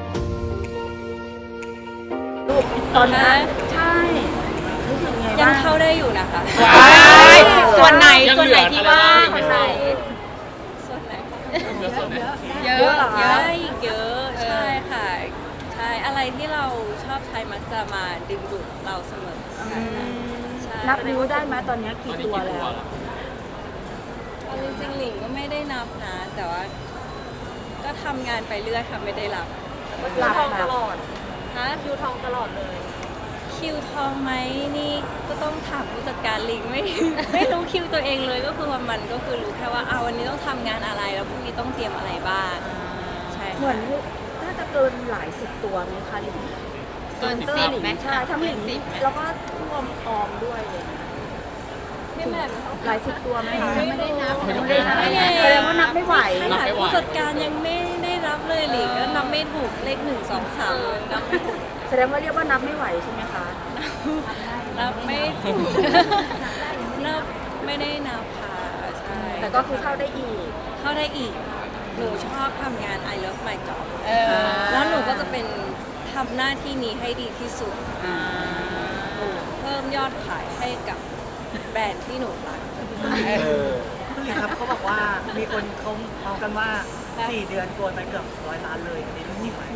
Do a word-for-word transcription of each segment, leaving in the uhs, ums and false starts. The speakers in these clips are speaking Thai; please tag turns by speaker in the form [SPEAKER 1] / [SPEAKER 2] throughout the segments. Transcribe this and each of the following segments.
[SPEAKER 1] ลูกตอนนั้นใช่รู้สึกไงบ้าง
[SPEAKER 2] ยังเข้าได้อยู่นะคะ
[SPEAKER 3] ส่วนไหนส่วนไหนที่ว่างส่วนไหน
[SPEAKER 2] ส่วนไหน
[SPEAKER 3] เยอะ
[SPEAKER 2] เยอะเยอะอีกเยอะใช่ค่ะใช่อะไรที่เราชอบใช้มักจะมาดึงดูดเราเสมอใช่
[SPEAKER 1] นับนิ้วได้ไหมตอนนี้กี่ตัวแล้ว
[SPEAKER 2] เอาจริงๆหลิงก็ไม่ได้นับนะ แต่ว่าก็ทำงานไปเรื่อยค่ะไม่ได้รับ
[SPEAKER 1] หลับตลอด
[SPEAKER 2] ฮะคิวทองตลอดเลยคิวทองไหมนี่ก็ต้องถามผู้จัดการหลิงไม่ ไม่รู้คิวตัวเองเลยก็คือวันมันก็คือรู้แค่ว่าเอาวันนี้ต้องทำงานอะไรแล้วพรุ่งนี้ต้องเตรียมอะไรบ้างใช่
[SPEAKER 1] เหมือนน่าจะเกินหลายสิบตัวไหมคะหลิง
[SPEAKER 3] เกินสิบไหม
[SPEAKER 1] ใช่ทั้งหลิงแล้วก็รวมออมด้วยเลย
[SPEAKER 2] พี่แม่
[SPEAKER 1] หลายสิบตัวไหมคะ
[SPEAKER 3] ไม่ได้นับ
[SPEAKER 1] ไม่ได้นับแสดงว่านับไม่ไหว
[SPEAKER 2] ขนาดผู้จัดการยังไม่ได้รับเลยหลิงก็นับไม่ถูกเลขหนึ่งสองสามนับไม่ถูก
[SPEAKER 1] แสดงว่าเรียกว่านับไม่ไหวใช่ไหมคะ
[SPEAKER 2] นับไม่ถูกนับไม่ได้นับค่ะใช่
[SPEAKER 1] แต่ก็คือเข้าได้อีก
[SPEAKER 2] เข้าได้อีกหนูชอบทำงาน I love my job
[SPEAKER 3] เออ
[SPEAKER 2] แล้วหนูก็จะเป็นทำหน้าที่นี้ให้ดีที่สุดเพิ่มยอดขายให้กับแบรนด์ที่หนูรัก
[SPEAKER 4] คุณหลิงครับเขาบอกว่ามีคนเขาเมากันว่าสี่เดือนโกนไปเกือบร้อยล้านเลยอันนี้จริงไหม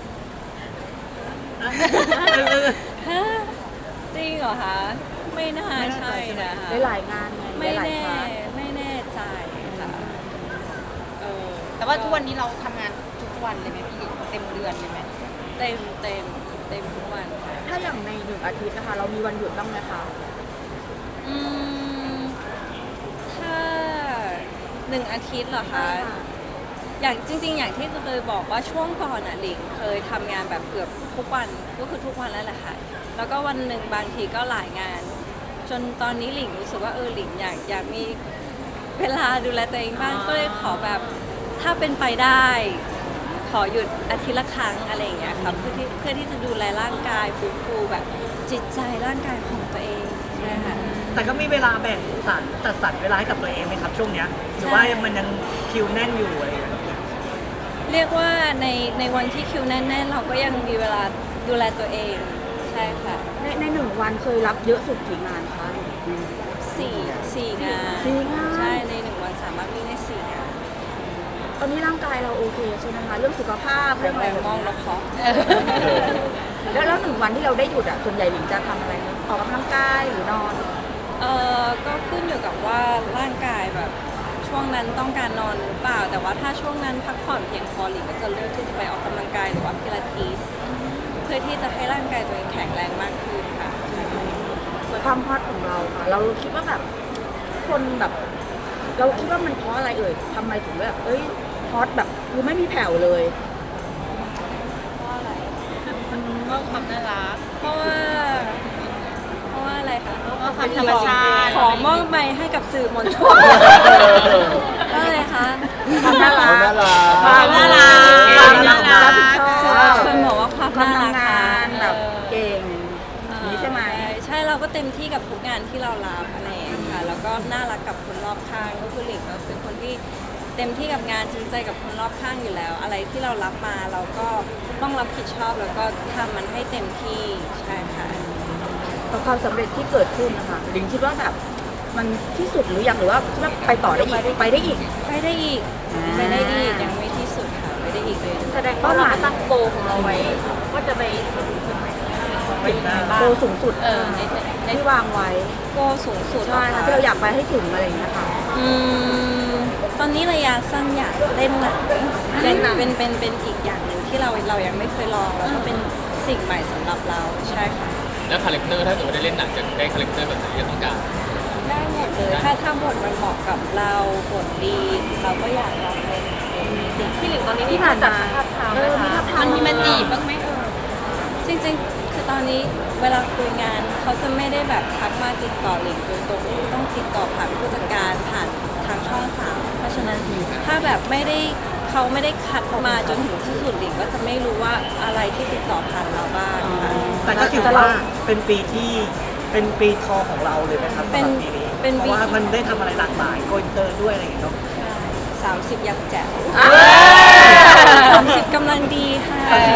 [SPEAKER 2] ฮะจริงเหรอคะ ไม่น่าใช่นะคะ
[SPEAKER 1] ได้หลายงานไง
[SPEAKER 2] ไม่
[SPEAKER 1] ได้หลาย
[SPEAKER 2] แน่
[SPEAKER 1] ครั้ง
[SPEAKER 2] ไม่แน่ใจค่ะเออ
[SPEAKER 3] แต่ว่าทุกวันนี้เราทำงานทุกวันเลยไหมพี่เต็มเดือนเลยไหม
[SPEAKER 2] เต็มเต็มเต็มทุกวันค่ะ
[SPEAKER 1] ถ้าอย่างในหนึ่งอาทิตย์นะคะ เรามีวันหยุดบ้างไหมคะ
[SPEAKER 2] อืมถ้าหนึ่งอาทิตย์เหรอคะอย่างจริง ๆ อย่างที่เคยบอกว่าช่วงก่อนอ่ะหลิงเคยทำงานแบบเกือบทุกวันก็คือทุกวันแล้วแหละค่ะแล้วก็วันหนึ่งบางทีก็หลายงาน จนตอนนี้หลิงรู้สึกว่าเออหลิงอยากอยากมีเวลาดูแลตัวเองบ้างก็เลยขอแบบถ้าเป็นไปได้ ขอหยุดอาทิตย์ละครั้งอะไรอย่างเงี้ยค่ะเพื่อที่เพื่อที่จะดูแลร่างกายฟื้นฟูแบบจิตใจร่างกายของตัวเองใช่ค่ะ
[SPEAKER 4] แต่ก็มีเวลาแบ่งสรรจัดสรรเวลาให้กับตัวเองไหมครับช่วงเนี้ยหรือว่ามันยังคิวแน่นอยู่อะไรอย่างเงี้ย
[SPEAKER 2] เรียกว่าในในวันที่คิวแน่นๆเราก็ยังมีเวลาดูแลตัวเองใช่ค่ะ
[SPEAKER 1] ในในหนึ่งวันเคยรับเยอะสุดกี่งานคะ
[SPEAKER 2] สี่สี่งาน
[SPEAKER 1] สี่งาน
[SPEAKER 2] ใช่ในหนึ่งวันสามารถวิ่งได้สี่งาน
[SPEAKER 1] ตอนนี้ร่างกายเราโอเคใช่ไหมคะเรื่องสุขภาพ
[SPEAKER 2] แร
[SPEAKER 1] เรื่องอะไร
[SPEAKER 2] ง
[SPEAKER 1] แบบ
[SPEAKER 2] มอง
[SPEAKER 1] นี้
[SPEAKER 2] แล้วเคาะ
[SPEAKER 1] แล้วแล้วหนึ่งวันที่เราได้หยุดอ่ะส่วนใหญ่หลิงจะทำอะไรคะออกกำลังกายหรือนอน
[SPEAKER 2] เออก็ขึ้นอยู่กับว่าร่างกายแบบช่วงนั้นต้องการนอนหรือเปล่า แต่ว่าถ้าช่วงนั้นพักผ่อนเพียงพอหลิงก็จะเลือกที่จะไปออกกำลังกายหรือว่าพิลาทิสเพื่อที่จะให้ร่างกายตัวเองแข็งแรงมากขึ้นค่ะ
[SPEAKER 1] ความฮอตของเราค่ะ เราคิดว่าแบบคนแบบ เราคิดว่ามันเพราะอะไรเอ่ยทำไมถึงแบบเอ้ยฮอตแบบคือไม่มีแผ่วเลย
[SPEAKER 2] เพราะอะไร
[SPEAKER 3] ก็ความน่ารัก
[SPEAKER 2] เพราะว่า เพราะว่าอะไรคะ
[SPEAKER 3] เพราะว่าความธรรมชาติ
[SPEAKER 2] ขอมอบไมค์ให้กับสื่อมวลชนก็อะไรคะ
[SPEAKER 1] ความน่ารัก
[SPEAKER 3] ความน่ารัก
[SPEAKER 1] ความน่ารัก
[SPEAKER 2] สื่อมวลชนบอกว่าความ
[SPEAKER 1] ความ
[SPEAKER 2] น่ารัก
[SPEAKER 1] ทำงา
[SPEAKER 2] ค่ะ
[SPEAKER 1] นแบบเก่งนี้ใช่ไหม
[SPEAKER 2] ใช่เราก็เต็มที่กับทุกงานที่เรารับอะไรอย่างเงี้ยค่ะแล้วก็น่ารักกับคนรอบข้างก็คือหลิงก็เป็นคนที่เต็มที่กับงานจริงใจกับคนรอบข้างอยู่แล้ว อะไรที่เรารับมาเราก็ต้องรับผิดชอบแล้วก็ทำมันให้เต็มที่ใช่ค่ะ
[SPEAKER 1] กับความสำเร็จที่เกิดขึ้นนะคะหลิงคิดว่าแบบมันที่สุดหรือยังหรือว่าคิดว่าไปต่อได้อีกไปได้อีก
[SPEAKER 2] ไปได้อีก
[SPEAKER 1] อ่า
[SPEAKER 2] ไปได้อีกยังไม่ที่สุดค่ะไปได้อีกเลย
[SPEAKER 1] แสดงว่าเราตั้งโกของเราไว้ว่าจะไป
[SPEAKER 4] ปิดหน้า
[SPEAKER 1] โกสูงสุด
[SPEAKER 3] เออในใน
[SPEAKER 1] ที่วางไว้
[SPEAKER 2] โกสูงสุด
[SPEAKER 1] ใช่ค่ะที่เราอยากไปให้ถึงอะไรอย่างเงี้ยค่ะ
[SPEAKER 2] อืมตอนนี้ระยะสั้นอยากเล่นหนังเป็นเป็นเป็นเป็นอีกอย่างหนึ่งที่เราเรายังไม่เคยลองแล้วก็เป็นสิ่งใหม่สำหรับเราใช่ค่ะ
[SPEAKER 5] แล้วคาแรคเตอร์ถ้าเกิดว่าได้เล่นหนังจะได้คาแรคเตอร์แบบไหนที่ต้องการ
[SPEAKER 2] ได้หมดเลยถ้าถ้าบทมันเหมาะกับเราบทดี เราก็อยากลองเล่นพี่หลิงตอนนี้
[SPEAKER 1] ที่ผ่านมาเออมีภาพทาง
[SPEAKER 3] มันมีมาจีบบ้างไหมเออ
[SPEAKER 2] จริงๆ คือตอนนี้เวลาคุยงานเขาจะไม่ได้แบบทักมาติดต่อหลิงโดยตรงต้องติดต่อผ่านผู้จัดการผ่านทางช่องสามเพราะฉะนั้นถ้าแบบไม่ได้เขาไม่ได้คัดมาจนถึงที่สุดหลิงก็จะไม่รู้ว่าอะไรที่ติดต่อผ่านเราบ้างค่ะ
[SPEAKER 4] แต่ก็ถือว่าเป็นปีที่เป็นปีทองของเราเลยไหมครับสำหรับปีนี้
[SPEAKER 2] เป็น
[SPEAKER 4] เพ
[SPEAKER 2] ปี
[SPEAKER 4] ราะว่ามันได้ทำอะไรหลากหลายโกอินเตอร์ด้วยอะไรอย่างเงี้ยเนาะ
[SPEAKER 2] สามสิบยังแจ๋ว
[SPEAKER 1] อ่า
[SPEAKER 2] สามสิบกำลังดีค่ะ
[SPEAKER 4] สามสิบยัง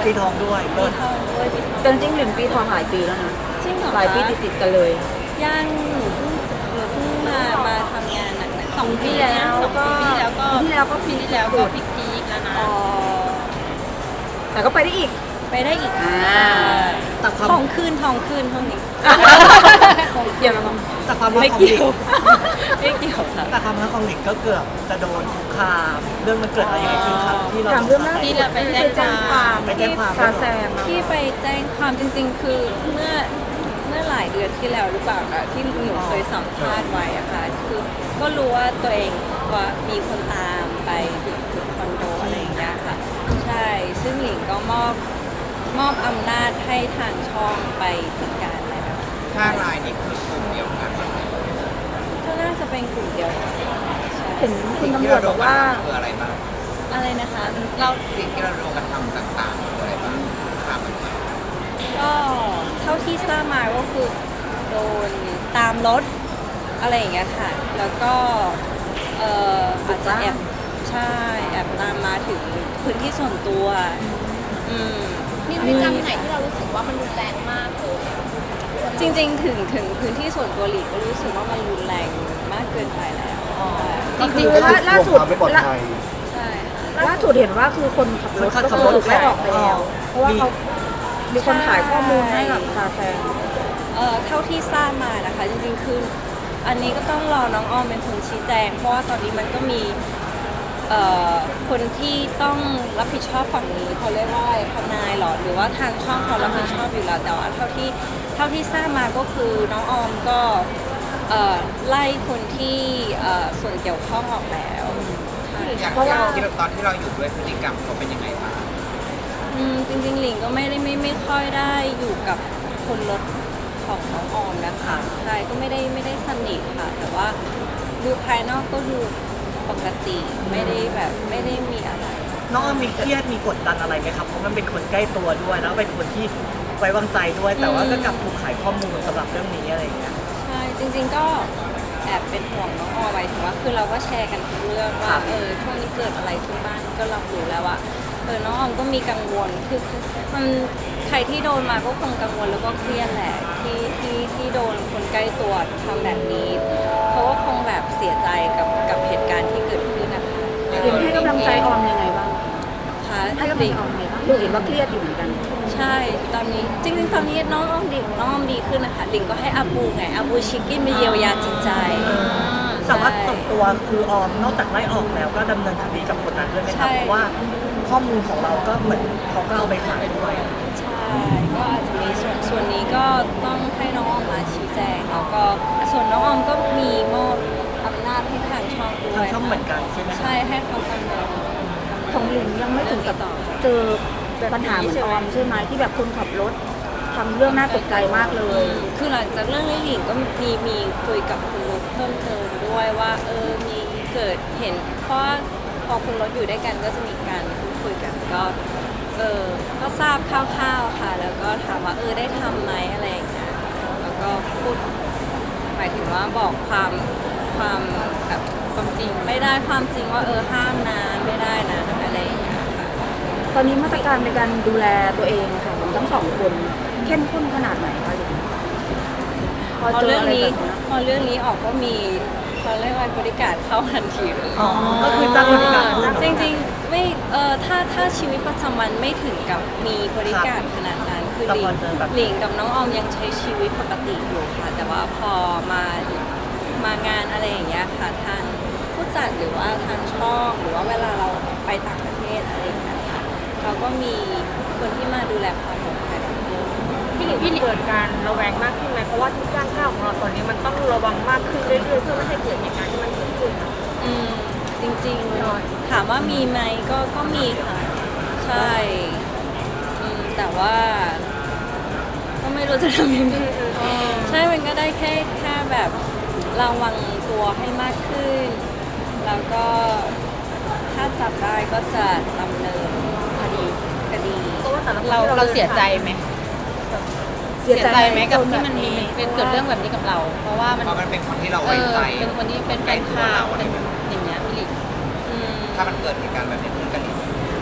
[SPEAKER 4] ปีทองด้วย
[SPEAKER 2] ปีทองด้วยปีทอง
[SPEAKER 1] แต่จริงๆหลินปีทองหลายปีแล้วนะ
[SPEAKER 2] จริงเหรอ
[SPEAKER 1] หลายปี
[SPEAKER 2] คะ
[SPEAKER 1] ติดๆกันเลย
[SPEAKER 2] ย่างหนูเพิ่งหนูเพิ่งมามาทำงานหนักๆ
[SPEAKER 3] สองปีแล้วสองปีที่แล้วก็
[SPEAKER 1] ปีที่แล้วก็
[SPEAKER 3] ปีที่แล้วก็พีคๆแล้วนะ
[SPEAKER 2] อ๋อ
[SPEAKER 1] แต่ก็ไปได้อีก
[SPEAKER 2] ไปได้อีก
[SPEAKER 1] อ่า
[SPEAKER 4] แต่ความ
[SPEAKER 2] ทองคืนทองคืนเท่านี้
[SPEAKER 1] เดี๋ยวเราลอง
[SPEAKER 4] แต่ความรัก
[SPEAKER 2] ไม่
[SPEAKER 4] ของห
[SPEAKER 2] เกี่
[SPEAKER 4] ลิ
[SPEAKER 2] ยว
[SPEAKER 4] ง
[SPEAKER 2] ไม่เกี่ยวค่ะ
[SPEAKER 4] แต่ความรักของหลิงก็เกือบจะโดนคุกคามเรื่องมันเกิดอะไรยังไงขึ้นครับที่เรา
[SPEAKER 1] ถามเรื่องล่า
[SPEAKER 3] ที่
[SPEAKER 1] สุด
[SPEAKER 3] เราไปแจ้งความ
[SPEAKER 4] ไปแจ้งความ
[SPEAKER 1] ซาแซมอะ
[SPEAKER 2] ที่ไปแจ้งความจริงๆ คือเมื่อเมื่อหลายเดือนที่แล้วหรือเปล่าคะที่หนูเคยสัมภาษณ์ไว้อะค่ะคือก็รู้ว่าตัวเองว่ามีคนตามไปถึงถึงคอนโดอะไรอย่างเงี้ยค่ะ ใช่ ซึ่งหลิงก็มอบมอบอำนาจให้ทางช่องไปจัดการเลยค่ะ
[SPEAKER 6] ห้ารายนี่คือกลุ่มเดียวกัน
[SPEAKER 2] ก็น่าจะเป็นกลุ่มเดียวกันใช่
[SPEAKER 1] เห็นคุ
[SPEAKER 6] สิ่
[SPEAKER 1] ณ
[SPEAKER 6] งที่
[SPEAKER 1] ตำรว
[SPEAKER 6] เรา
[SPEAKER 1] จ
[SPEAKER 6] โด
[SPEAKER 1] บอน ก
[SPEAKER 6] กระ
[SPEAKER 1] ว่า
[SPEAKER 6] ทำคืออะไรบ้าง
[SPEAKER 2] อะไรนะคะ
[SPEAKER 3] เรา
[SPEAKER 6] สิ่งที่เราโดนกระทำต่างๆคืออะไรบ้างข้ามมันไป
[SPEAKER 2] ก็เท่าที่ทราบมาก็คือโดนตามรถอะไรอย่างเงี้ยค่ะ แล้วก็เอ่ออาจจะแอบใช่แอบตามมาถึงพื้นที่ส่วนตัวอืม
[SPEAKER 3] มีพฤติกรรมไหนที่เรารู้สึกว่ามันรุนแรงมากเลย
[SPEAKER 2] จริงๆถึงถึงพื้นที่ส่วนตัวหลีกก็รู้สึกว่ามันรุนแรงมากเกินไปแล้ว
[SPEAKER 1] ก็คือล่าล่าสุดล่า
[SPEAKER 2] ใช่ค่ะ
[SPEAKER 1] ล่าสุดเห็นว่าคือคนขับรถ
[SPEAKER 4] คนขั
[SPEAKER 1] ก็
[SPEAKER 4] บ
[SPEAKER 1] คือ
[SPEAKER 4] รถ
[SPEAKER 1] ถูกไล่ออกไปแล้ว เพราะว่าเขามีคนขายข้อมูลให้กับซาแซม
[SPEAKER 2] เอ่อเท่าที่ทราบมานะคะ จริงๆคืออันนี้ก็ต้องรอน้องออมเป็นคนชี้แจง เพราะว่าตอนนี้มันก็มีเอ่อคนที่ต้องรับผิดชอบฝั่งนี้เขาเรียกว่าอะไรทนายเหรอหรือว่าทางช่องเขารับผิดชอบอยู่แล้วแต่ว่าเท่าที่เท่าที่ทราบมาก็คือน้องออมก็เอ่อไล่คนที่เอ่อส่วนเกี่ยวข้องออกแล้วใช่
[SPEAKER 6] อย่าง
[SPEAKER 1] เพราะว่า
[SPEAKER 6] ที่เราตอนที่เราอยู่ด้วยพฤติกรรมเขาเป็นยังไงบ้าง
[SPEAKER 2] อืมจริงๆหลิงก็ไม่ได้ไม่ไม่ค่อยได้อยู่กับคนรถของน้องออมนะคะใช่ก็ไม่ได้ไม่ได้สนิทค่ะ แต่ว่าดูภายนอกก็ดูปกติไม่ได้แบบไม่ได้มีอะไร
[SPEAKER 4] น้องอ้อมมีเครียดมีกดดันอะไรไหมครับเพราะมันเป็นคนใกล้ตัวด้วยแล้วเป็นคนที่ไว้วางใจด้วย แต่ว่าก็กลับถูกขายข้อมูลสำหรับเรื่องนี้อะไรอย่างเงี้ย
[SPEAKER 2] ใช่จริงๆก็แอบเป็นห่วงน้องออมไว้ถึงว่าคือเราก็แชร์กันทุกเรื่อง
[SPEAKER 4] ครั
[SPEAKER 2] ว่า
[SPEAKER 4] บ
[SPEAKER 2] เออช่วงนี้เกิดอะไรขึ้นบ้างก็รับรู้แล้วว่าเออน้องออมก็มีกังวลคือคือมันใครที่โดนมาก็คงกังวลแล้วก็เครียดแหละที่ที่ที่โดนคนใกล้ตัวทำแบบนี้เขาก็คงแบบเสียใจกับกับเหตุการณ์ที่เกิดขึ้นนะคะ
[SPEAKER 1] หลิงให้กำลังใจออมยังไงบ้าง
[SPEAKER 2] ค่ะ
[SPEAKER 1] ให้กำลังใจออมยังไงบ้างหลิงเห็นว่าเครียดอยู่เหมือนกัน
[SPEAKER 2] ใช่ตอนนี้จริงๆตอนนี้น้องออมดีน้องออมดีขึ้นนะคะหลิงก็ให้อาบูไงอาบูชิคกี้มาเยียวยาจิตใจ
[SPEAKER 4] แต่ว่าส่วนตัวคือออมนอกจากไล่ออกแล้วก็ดำเนินคดีกับคนนั้นด้วยไหมครับ
[SPEAKER 2] ใช่
[SPEAKER 4] เพราะว่าข้อมูลของเราก็เหมือนเขาก็เอาไปขายด้วย
[SPEAKER 2] ใช่ก็อาจจะมีส่วนส่วนนี้ก็ต้องให้น้องออมมาชี้แจงแล้วก็ส่วนน้องออมก็มีมอบอำนาจให้ทางช่องด้ว
[SPEAKER 4] ทาง
[SPEAKER 2] ย
[SPEAKER 4] ช่องเหมือนกันใช่ไหมครับ
[SPEAKER 2] ใช่ให้เขาดำเนิน
[SPEAKER 1] ของหลิงยังไม่ถึงกับเจอปัญหาเหมือนออมใช่ไหมที่แบบคนขับรถทำเรื่องน่าตกใจมากเลย
[SPEAKER 2] คือหลังจากเรื่องนี้หลิงก็มีมีคุยกับคุณรถเพิ่มเติมด้วยว่าเออมีเกิดเห็นเพราะว่าพอคุณรถอยู่ด้วยกันก็จะมีการพูดคุยกันก็เออก็ทราบคร่าวๆค่ะ แล้วก็ถามว่าเออได้ทำไหมอะไรอย่างเงี้ยแล้วก็พูดหมายถึงว่าบอกความความแบบความจริงไม่ได้ความจริงว่าเออห้ามนะไม่ได้นะอะไรอย่างเงี้ยค่ะ
[SPEAKER 1] ตอนนี้มาตรการในการดูแลตัวเองค่ะของทั้งสองคนเข้มข้นขนาดไหนคะหลิง
[SPEAKER 2] พอเรื่องนี้พอเรื่องนี้ออกก็มีเขาเรียกว่าบริการเข้าทันทีเลย
[SPEAKER 4] อ๋อ ก็คือจ้างบริการเพิ่ม
[SPEAKER 2] จริงๆไม่เออถ้าถ้าชีวิตประจำวันไม่ถึงกับมีบริการขนาดนั้นคือ
[SPEAKER 4] แต่
[SPEAKER 2] หลิ
[SPEAKER 4] พอง เจอแบบ
[SPEAKER 2] หลิงกับน้องออมยังใช้ชีวิตปกติอยู่ค่ะ แต่ว่าพอมามางานอะไรอย่างเงี้ยค่ะทางผู้จัดหรือว่าทางช่องหรือว่าเวลาเราไปต่างประเทศอะไรอย่างเงี้ยค่ะเราก็มีคนที่มาดูแลความปลอดภัยของเรา
[SPEAKER 7] พี่หลิงพี่เกิดการระแวงมากขึ้นไหมเพราะว่าทุกย่างก้าวของเราตอนนี้มันต้องระวังมากขึ้นเรื่อยๆเพื่อไม่ให้เกิดเหตุการณ์ที่มันเกิดขึ้นอะ
[SPEAKER 2] อืมจริงๆถามว่ามีไหมก็ก็มีค่ะ ใช่อืมแต่ว่า ก็ไม่รู้จะทำยังไงใช่มันก็ได้แค่แค่แบบระวังตัวให้มากขึ้น แล้วก็ถ้าจับได้ก็จะดำเนินคดีคดี
[SPEAKER 7] เพราะว่าแต่ละครั้ง
[SPEAKER 3] เรา
[SPEAKER 7] ที่
[SPEAKER 3] เราเสียใจไหม
[SPEAKER 1] เสียใจ
[SPEAKER 3] ไหมกับที่มันมีเป็นเกิดเรื่องแบบนี้กับเรา เพราะว่ามัน
[SPEAKER 6] เพราะมันเป็นคนที่เรา
[SPEAKER 3] เอ
[SPEAKER 6] ไว้
[SPEAKER 3] อ
[SPEAKER 6] ใจ
[SPEAKER 3] เป็นคนที่เป็นแฟนคลับเป็นอย่างเงี้ยพี่หลิง
[SPEAKER 2] อืม
[SPEAKER 6] ถ้ามันเกิดเหตุการณ์แบบนี้ขึ้นกันอีก
[SPEAKER 2] เ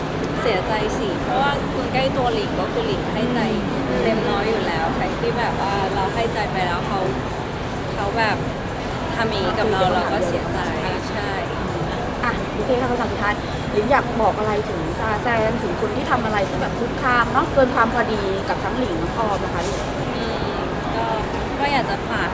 [SPEAKER 2] เสียใจสิเพราะว่าคุณใกล้ตัวหลิงก็คือหลิงให้ใจเต็มร้อยอยู่แล้วใครที่แบบว่าเราให้ใจไปแล้วเขาเขาแบบทำอย่างนี้กับเราเราก็เสียใจใช่
[SPEAKER 1] อ่ะโอเคค่ะคำถามสุดท้ายหลิงอยากบอกอะไรถึงซาแซนถึงคนที่ทำอะไรที่แบบคุกคามเนาะเกินความพอดีกับทั้งหลิงน้องออมนะคะลูก
[SPEAKER 2] อืมก็ก็อยากจะฝาก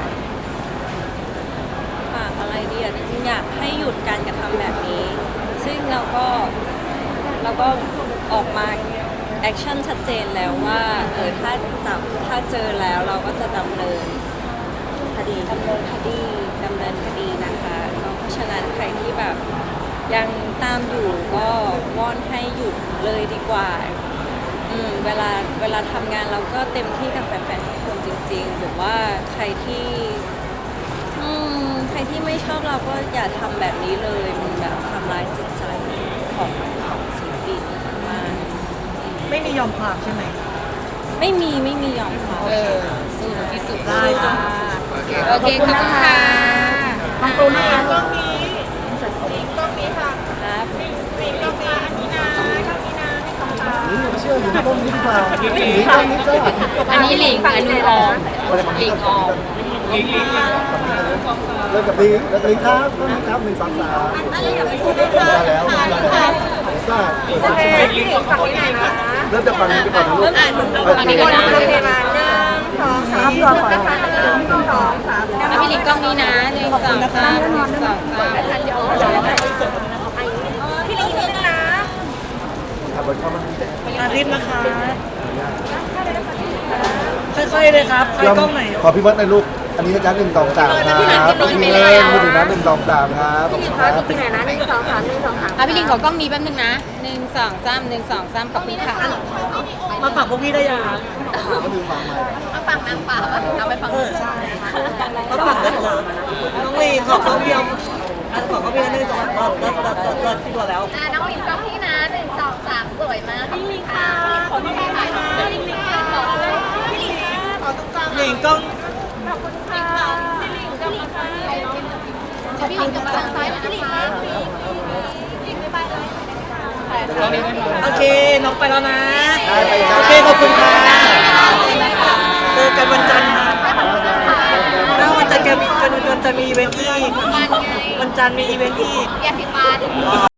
[SPEAKER 2] ฝากอะไรดีอ่ะจริงๆอยากให้หยุดการกระทำแบบนี้ ซึ่งเราก็เราก็ออกมาแอคชั่นชัดเจนแล้วว่าเออถ้าจับถ้าเจอแล้วเราก็จะดำเนิน
[SPEAKER 1] คดี
[SPEAKER 2] ดำเนินคดีดำเนินคดีนะคะเพราะฉะนั้นใครที่แบบยังตามอยู่ก็วอนให้หยุดเลยดีกว่าอืมเวลาเวลาทำงานเราก็เต็มที่กับแฟนๆทุกคนจริงๆหรือว่าใครที่อืมใครที่ไม่ชอบเราก็อย่าทำแบบนี้เลยมันแบบทำร้ายจิตใจของของศิลปินมาก
[SPEAKER 4] ไม่มียอมความใช่ไหม
[SPEAKER 2] ไม่มีไม่มียอมเขา
[SPEAKER 3] เออสู้ที่สุด
[SPEAKER 4] ได้ค่ะ
[SPEAKER 6] โอเค
[SPEAKER 3] โอเคขอบคุณค่ะ
[SPEAKER 1] ทางตูนนะคะ
[SPEAKER 2] ครับ
[SPEAKER 8] เชื่ออยู่ต้นนี้หรือเปล่าหรือต้นนี้ก็
[SPEAKER 3] อันนี้หลิงอันนู้นออมหลิงออม
[SPEAKER 8] เริ่มกับลิงแล้วลิงครับต้นนี้ครับหนึ่งสองสามมาแล้วมาแล้วทราบเปิดสิบชั่วโมงเริ่มจากฝั่งนี้ไปก่อนนะลูก
[SPEAKER 3] ฝั่งนี้ก่อนนะ
[SPEAKER 1] โอเคมาหนึ่งสองสามรอก่อนนะคะหนึ่งสองสาม
[SPEAKER 3] แล้วพี่หลิงกล้องนี้นะหนึ่งสองสามหนึ่งสองสาม
[SPEAKER 1] พี่ลิงนิดนึงนะ
[SPEAKER 8] ขับรถเข้ามา
[SPEAKER 4] อาทิตย์นะคะค่อยๆเลยครับค่อยกล้องไหน
[SPEAKER 8] ขอพี่เบิร์ตในอยลูกอันนี้นะจ๊ะหนึ่งสองสามครับพี่เล่นมือถือนะหนึ่งสองสามครับขอบคุณครับ
[SPEAKER 1] ที่ไหนนะหนึ่งสองสามหนึ่งสองสาม
[SPEAKER 3] อ่ะพี่หลิงขอกล้องนี้แป๊บนึงนะหนึ่งสองสามหนึ่งสองสามขอบคุณค่ะ
[SPEAKER 4] มาฝากพวกพี่ได้ยังครับ
[SPEAKER 8] ก็ลืมฟังใหม่
[SPEAKER 3] มาฟังนางป่าเอาไปฟัง
[SPEAKER 4] เออใช่มาฝากได้เลยน้องลีขอกล้องเดียวอันขอกล้องเดียวหนึ่งสองเลิศเลิศเลิศเลิศเลิศที่ตัวแล้ว
[SPEAKER 3] น้องหลิงกล้องนี้นะหนึ่งสองสามสวยมากพี่หลิงค่ะขอพี่หลิงค่ะพี่หลิงค่ะขอพี่หลิงค่ะขอตรงกลาง
[SPEAKER 4] หลิงกล้อง
[SPEAKER 3] พี่หลิงกับทางซ้ายนะนะคะพี่หลิงบ๊ายบายเลย
[SPEAKER 4] โอเคน้องไปแล้วนะ
[SPEAKER 8] ได้ไปจ้า
[SPEAKER 4] โอเคขอบคุณค่ะเจอกันวันจันทร์นะแล้ววันจันทร์แกมีวันจันทร์จะมีอีเวนต์ที่
[SPEAKER 3] วันไง
[SPEAKER 4] วันจันทร์มีอีเวนต์ที่
[SPEAKER 3] ยาสีฟัน